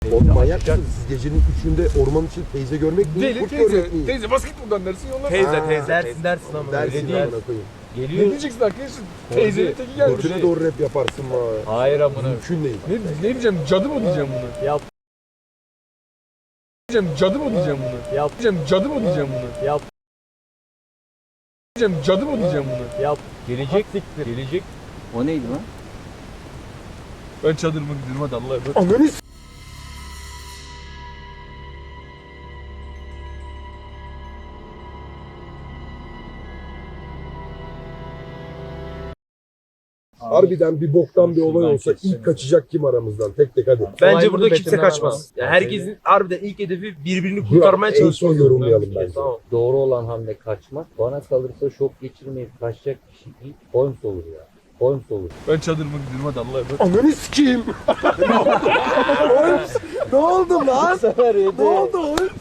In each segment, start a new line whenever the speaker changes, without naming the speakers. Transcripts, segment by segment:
Oğlum manyak mısınız? Siz gecenin 3'ünde orman için teyze görmek mi?
Deli
Kurt
teyze.
görmek mi?
Teyze bas git buradan dersin yollar.
Teyze.
Dersin ama
Dersin
öyle değil.
amına koyayım.
Geliyor.
Ne diyeceksin arkadaşım? Teyzenin teki gelmiş.
Götüne doğru rap yaparsın mı?
Hayır amına.
Mümkün değil.
Ne diyeceğim? Cadı mı diyeceğim bunu?
Yap.
Diyeceğim cadı mı diyeceğim bunu?
Yap.
Diyeceğim cadı mı diyeceğim bunu?
Yap.
Diyeceğim cadı mı diyeceğim bunu?
Yap. Gelecek siktir. Gelecek.
O neydi lan?
Ben çadırıma gidiyorum hadi Allah'a emanet.
Ananı s***. Harbiden bir boktan bir olay olsa ilk kaçacak kim aramızdan? Tek tek hadi.
Bence burada
bunu
kimse
betimlemem
kaçmaz.
lazım.
Yani herkesin harbiden ilk hedefi birbirini
Dur,
kurtarmaya
en son
çalışmak.
yorumlayalım bence.
Tamam.
Doğru olan hamle kaçmak. Bana kalırsa şok geçirmeyip kaçacak kişi ilk Holmes olur ya. Holmes olur.
Ben çadırıma gidiyorum hadi Allah'a emanet.
Ananı sikeyim. Holmes, ne oldu lan? Ne oldu Holmes?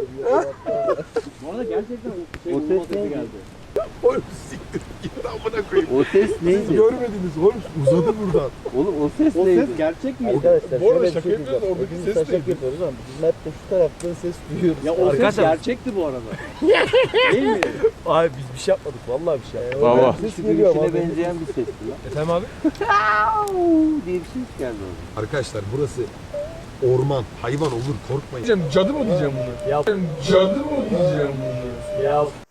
Bu arada gerçekten
O ses neydi?
Holmes siktir git amına koyayım.
O ses
Siz
neydi?
görmediniz Holmes uzadı buradan.
Oğlum o ses neydi?
gerçek mi?
Bu arada şaka yapıyoruz, oradaki ses
taşak
neydi?
yapıyoruz ama bizim hep de şu taraftan ses duyuyoruz.
Ya o ses
Arkadaşlar,
gerçekti bu arada. Değil mi?
Abi biz bir şey yapmadık vallahi bir şey yapmadık.
Baba.
Ses geliyor ama.
benzeyen bir sesti lan.
Efendim abi?
diye bir ses geldi orada.
Arkadaşlar burası orman. Hayvan olur korkmayın.
Diyeceğim cadı mı diyeceğim bunu?
Yap.
Diyeceğim cadı mı diyeceğim bunu?
Yap.